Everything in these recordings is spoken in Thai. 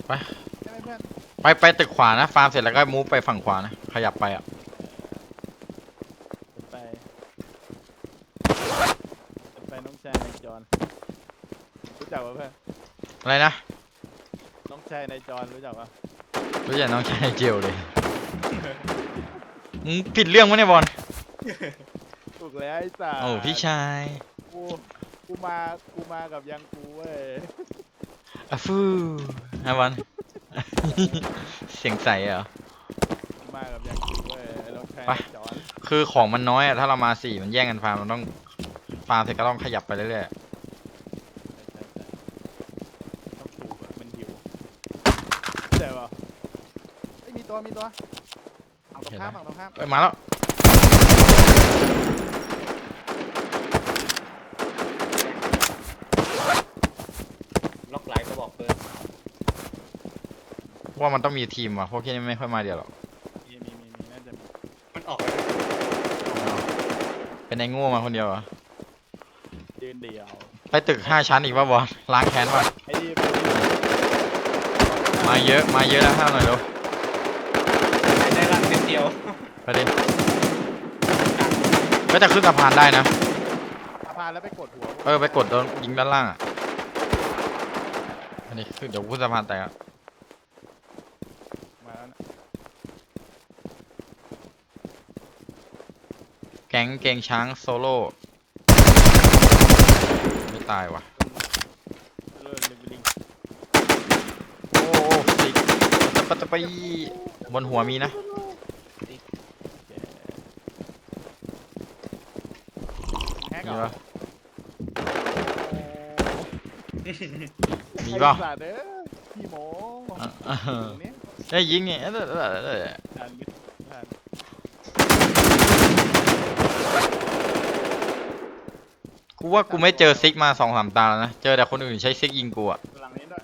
ไปใช่ไหมเพื่อนไปตึกขวานะฟาร์มเสร็จแล้วก็มูฟไปฝั่งขวานะขยับไปอ่ะไปน้องชายนายจอนรู้จักปะเพื่อนอะไรนะน้องชายนายจอนรู้จักปะรู้จักน้องชายเจียวเลยมึงผิดเรื่องมั้ยเนี่ยบอลถูกแล้วไอ้สัสโอ้พี่ชายกูกูมากับยังกูเว้ยอะฟูฮะบอล เสียงใสเหรอกูมากับยังกูเว้ยน้องชายไปนายจอนคือของมันน้อยอะถ้าเรามา4มันแย่งกันฟาร์มเราต้องฟาร์มเสร็จก็ต้องขยับไปเรื่อยใช่ต้องถูกอะมันหิวเจ๋อปะเฮ้ยมีตัวฝั่งตรงข้ามฝั่งตรงข้ามๆมาแล้วล็อกไลน์ก็บอกเพิ่มว่ามันต้องมีทีมว่ะพวกที่นี่ไม่ค่อยมาเดียวหรอกมีน่าจะมีมันออกเป็นไอ้โง่มาคนเดียวเหรอยืนเดียวไปตึก5 ชั้นอีกป่ะบอลล้างแค้นป่ะไอ้นี่มาเยอะแล้วห้ามหน่อยเร็วได้รังเม็ดเดียวไปดิก็จะขึ้นสะพานได้นะสะพานแล้วไปกดหัวไปกดโดนยิงด้านล่างอ่ะอันนี้คือเดี๋ยวขึ้นสะพานแตกอะมาแล้วนะแก๊งเกงช้างโซโล่ไม่ตายว่ะเริ่มลิงโอ้สิปัตไปบนหัวมีนะแฮกมีเหรอปะมีเปล่าไอ้สัตว์เด้อพี่โมตรงนี้ได้ยิงไงทานมิดทานกูว่ากูไม่เจอซิกมา2-3 ตาแล้วนะเจอแต่คนอื่นใช้ซิกยิงกูอะหลังนี้ด้วย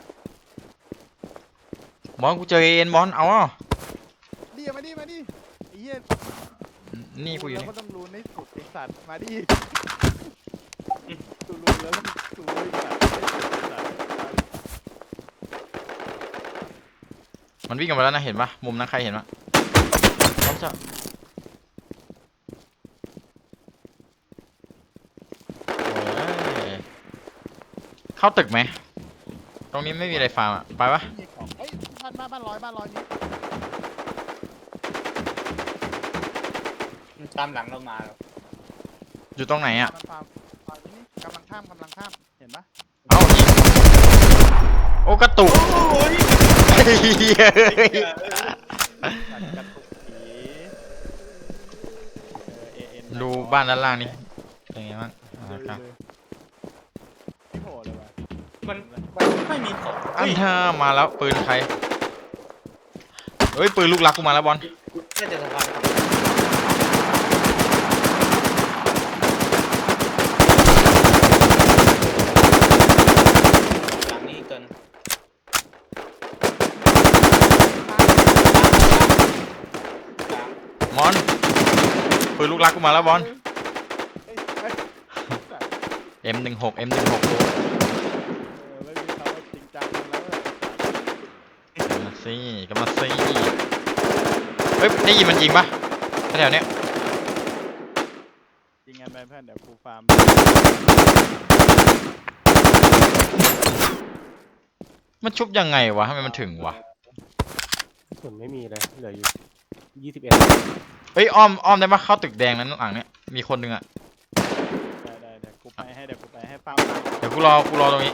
บอลกูเจอเอ็นบอลเอาอ่ะดิมาดิไอ้เหี้ยนี่กูอยู่แล้วนี่ก็ต้องรู้ในสุดไอ้สัตว์มาดิกูรู้แล้วกูรู้ไอ้สัตว์มันวิ่งกันไปแล้วนะเห็นปะมุมนั้นใครเห็นปะเขาจะเข้าตึกไหมตรงนี้ไม่มีอะไรฟาร์มอะไปปะมีของเอ้ยบ้านร้อยนี้ตามหลังเรามาแล้วอยู่ตรงไหนอะฟาร์มนี่กำลังข้ามเห็นปะเอ้ายิงโอ้กระตุกโอ้ยเหี้ยกัดกระตุกผีดูบ้านด้านล่างนี่เป็นไงบ้างครับพี่โผล่เลยวะมันไม่มีของอันท่ามาแล้วปืนใครเฮ้ยปืนลูกรักกูมาแล้วบอลน่าจะสะพานหลังนี้เกินมอนปืนลูกรักกูมาแล้วบอล M16 ตัวไม่มีเขาจริงจังแล้วมาสิก็มาสิเฮ้ยได้ยินมันยิงปะแถวเนี้ยจริงกันไปเพื่อนเดี๋ยวกูฟาร์มมันชุบยังไงวะทำไมมันถึงวะส่วนไม่มีเลยเหลืออยู่21 เฮ้ยอ้อมได้ปะเข้าตึกแดงนั้นหลังเนี้ยมีคนหนึงอะได้เดี๋ยวกูไปให้ฟาร์มเดี๋ยวกูรอตรงนี้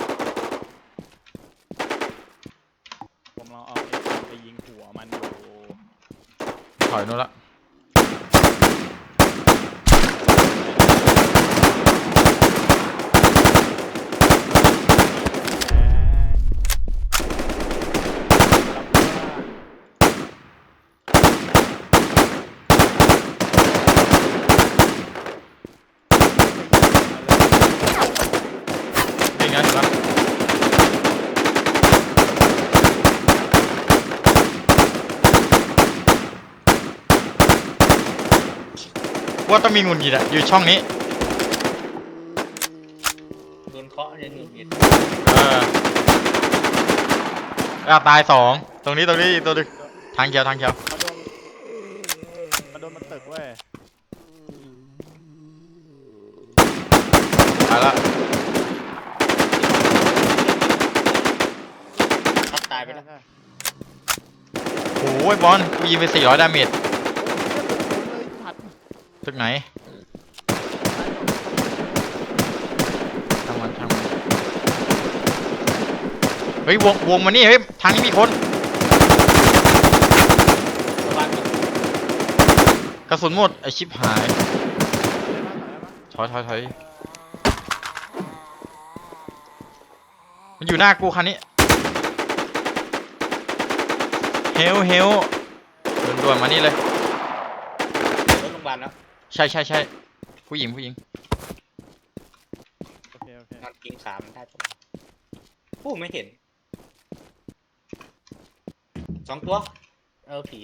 ผมลองเอาไปยิงหัวมันอยู่ถอยนู้นละยิงนะเห็นปะว่าต้องมีงุนหงิดอะอยู่ช่องนี้โดนเคาะเลยหนึ่งเม็ดเออตายสองตรงนี้อีกตัวหนึงทางเขียวมาโดนมันตึกเว้ยตายละทับตายไปแล้วใช่โอ้ยบอลกูยิงไป400ดาเมจเลยผัดตึกไหนช่างมันเฮ้ยวงมานี่เฮ้ยทางนี้มีคนบ้านก่อนกระสุนหมดไอชิปหายถอยมันอยู่หน้ากูคันนี้เฮลด่วนๆมานี่เลยรถโรงพยาบาลแล้วใช่ผู้หญิงโอเคนอนกินขามันได้ปะผู้ไม่เห็น2 ตัวผี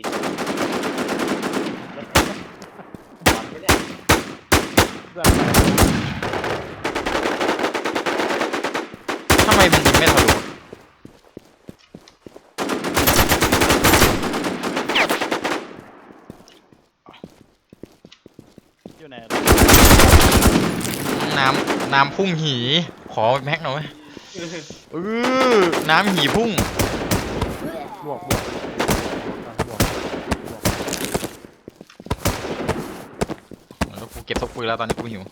บอลไม่ได้ทำไมมันยิงไม่ทะลุอยู่ไหนน้ำพุ่งหีขอแม็กหน่อยน้ำหีพุ่งบวกแล้วกูเก็บซกปืนแล้วตอนนี้กูหิว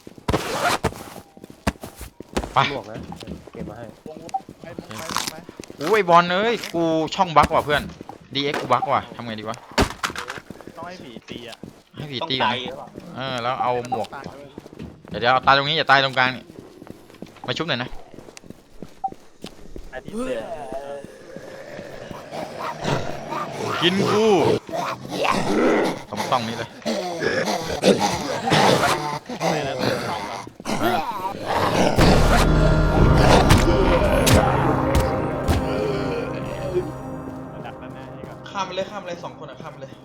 ไปบวกนะเก็บมาให้ไปโอ้ยบอลเอ้ยกูช่องบั๊กว่ะเพื่อน DX กูบั๊กว่ะทำไงดีวะต้องให้ผีตีอ่ะให้ผีต้องตีก่อนตายนะหรือเปล่าแล้วเอาหมวกตายเลยเดี๋ยวเอาตายตรงนี้อย่าตายตรงกลางนี่มาชุบหน่อยนะไอ้ที่เสียกินกูต้องนี้เลยเสียแล้วต้องเหรอดักแล้วนะนี่ก็ข้ามไปเลย2 คนข้ามไปเลย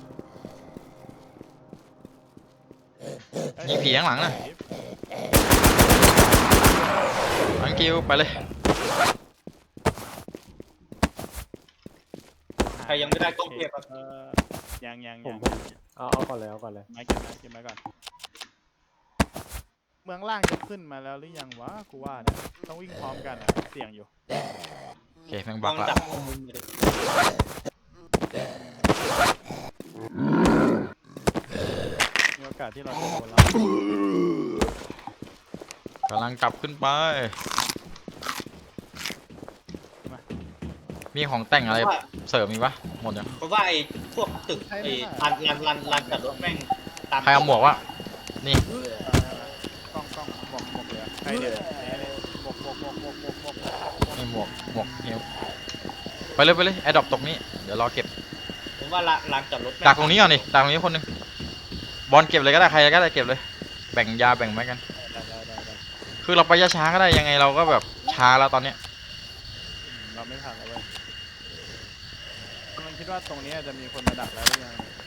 ยิงผีข้างหลังนะอังกิวไปเลยใครยังไม่ได้ต้องเก็บอะยังผมเอาก่อนเลยไม้เก็บไม้ก่อนเมืองล่างจะขึ้นมาแล้วหรือยังวะกูว่าเนี่ยต้องวิ่งพร้อมกันอะเสี่ยงอยู่โอเคแม่งลบัอก งละจับมุมเลยมีโอกาสที่เราจะโดนแล้วกำลังกลับขึ้นไปมีของแต่งอะไรเสริมมีปะหมดยังเพราะว่าไอ้พวกตึกไอ้ลานจอดรถแม่งตามใครเอาหมวกวะนี่กล้องหมกเหลือใครเนี่ยหมกนี่หมวกเฮลไปเลยแอดดอปตกนี้เดี๋ยวรอเก็บผมว่าลานจอดรถแม่ดักตรงนี้ก่อนดิดักตรงนี้คนหนึงบอลเก็บเลยก็ได้ใครก็ได้เก็บเลยแบ่งยาแบ่งไม้กันได้คือเราไปช้าๆก็ได้ยังไงเราก็แบบช้าแล้วตอนเนี้ยเราไม่ทันแล้วเว้ยมันคิดว่าตรงนี้จะมีคนมาดักแล้วหรือยัง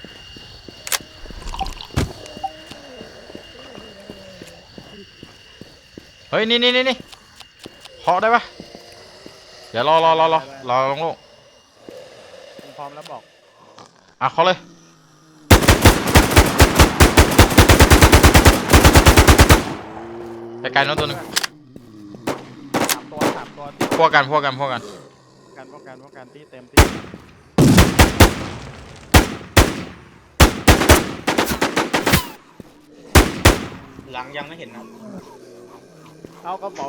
เฮ้ยนี่เคาะได้ปะเดี๋ยวรอลงโลกพร้อมแล้วบอกเคาะเลยไกลๆโน้นตัวหนึงสามตัวพวกกันป้องกันที่เต็มที่หลังยังไม่เห็นนะเอากระเป๋า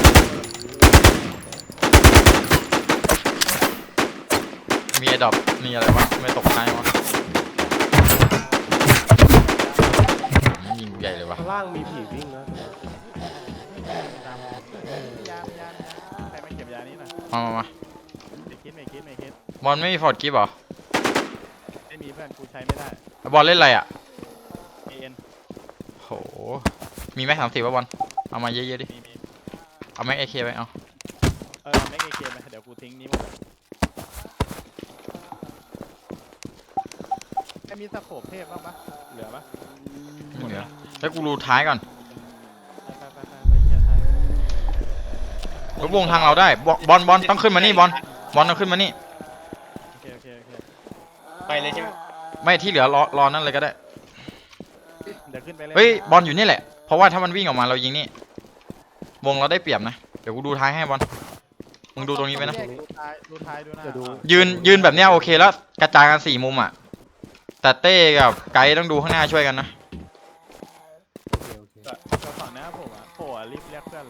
มีไอ้ดอกมีอะไรวะไม่ตกท้ายวะยิงใหญ่เลยวะข้างล่างมีผีวิ่งนะยาใครมาเก็บยานี้หน่อยมาไม่คิดบอลไม่มีฟอร์ดกิฟต์เหรอไม่มีเพื่อนกูใช้ไม่ได้บอลเล่นอะไรอ่ะ AN โหมีแม็ก30ป่ะบอลเอามาเยอะๆดิมีเอาแม็กAKไปเอาแม็กAKไปเดี๋ยวกูทิ้งนี้หมดไอ้มีสโคปเทพบ้างปะเหลือปะไม่เหลือแล้วกูดูท้ายก่อนไปเชียร์ไทยรถวงทางเราได้บอลต้องขึ้นมานี่บอลต้องขึ้นมานี่โอเคไปเลยใช่ไหมไม่ที่เหลือรอนั่นเลยก็ได้เดี๋ยวขึ้นไปเลยเฮ้ยบอลอยู่นี่แหละเพราะว่าถ้ามันวิ่งออกมาเรายิงนี่วงเราได้เปรียบนะเดี๋ยวกูดูท้ายให้บอลมึงดูตรงนี้ไว้นะดูท้ายดูหน้าจะดูยืนแบบเนี้ยโอเคแล้วกระจายกัน4 มุมอ่ะแต่เต้กับไกด์ต้องดูข้างหน้าช่วยกันนะโอเคก็ฝั่งหน้าผมอ่ะโผล่อะรีบเรียกเพื่อนเลย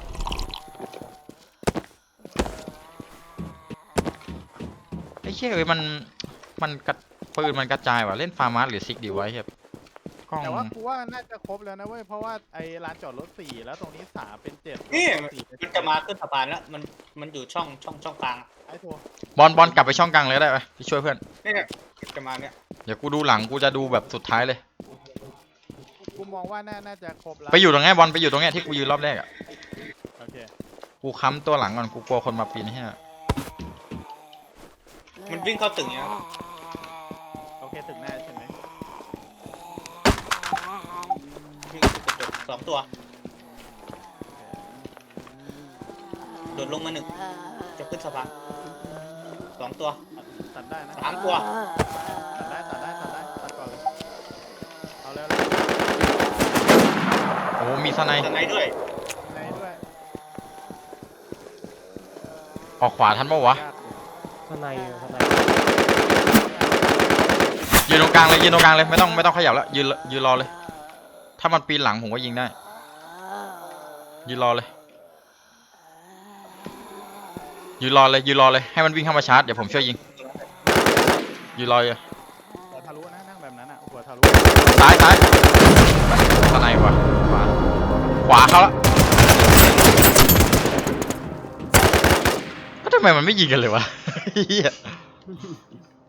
ไอ้เชี่ยเอ้ยมันกระปืนมันกระจายว่ะเล่นฟาร์มาสหรือซิกดีไว้เฮียกล้องแต่ว่ากูว่าน่าจะครบแล้วนะเว้ยเพราะว่าไอ้ลานจอดรถ4แล้วตรงนี้3เป็น7 นี่ 4เป็นมันจะมาขึ้นสะพานแล้วมันอยู่ช่องกลางไอ้โถบอลกลับไปช่องกลางเลยก็ได้ไปไปช่วยเพื่อนเนี่ยจะมาเนี่ยเดี๋ยวกูดูหลังกูจะดูแบบสุดท้ายเลยกูมองว่าน่าจะครบแล้วไปอยู่ตรงเนี้ยบอลไปอยู่ตรงเนี้ยที่กูยืนรอบแรกอ่ะโอเคกูค้ำตัวหลังก่อนกูกลัวคนมาปีนให้อะมันวิ่งเข้าตึกเนี่ยโอเคถึงหน้าใช่ไหมวิ่งเข้ากระจก2 ตัวโดดลงมา1จะขึ้นสะพาน2 ตัวตัดได้นะ 3 ตัวตัดได้ตัดก่อนเลยเอาแล้วโอ้โหมีสไนด์ข้างในด้วยในด้วยออกขวาทันปะวะยากอยู่ข้างในข้างในยืนตรงกลางเลยยืนตรงกลางเลยไม่ต้องขยับแล้วยืนรอเลย ถ้ามันปีนหลังผมก็ยิงได้ยืนรอเลยยืนรอเลยให้มันวิ่งเข้ามาชาร์จเดี๋ยวผมช่วยยิงยืนรอเลยหัวทะลุนะนั่งแบบนั้นอ่ะหัวทะลุซ้ายสไนด์วะขวาเขาละก็ทำไมมันไม่ยิงกันเลยวะ เหี้ย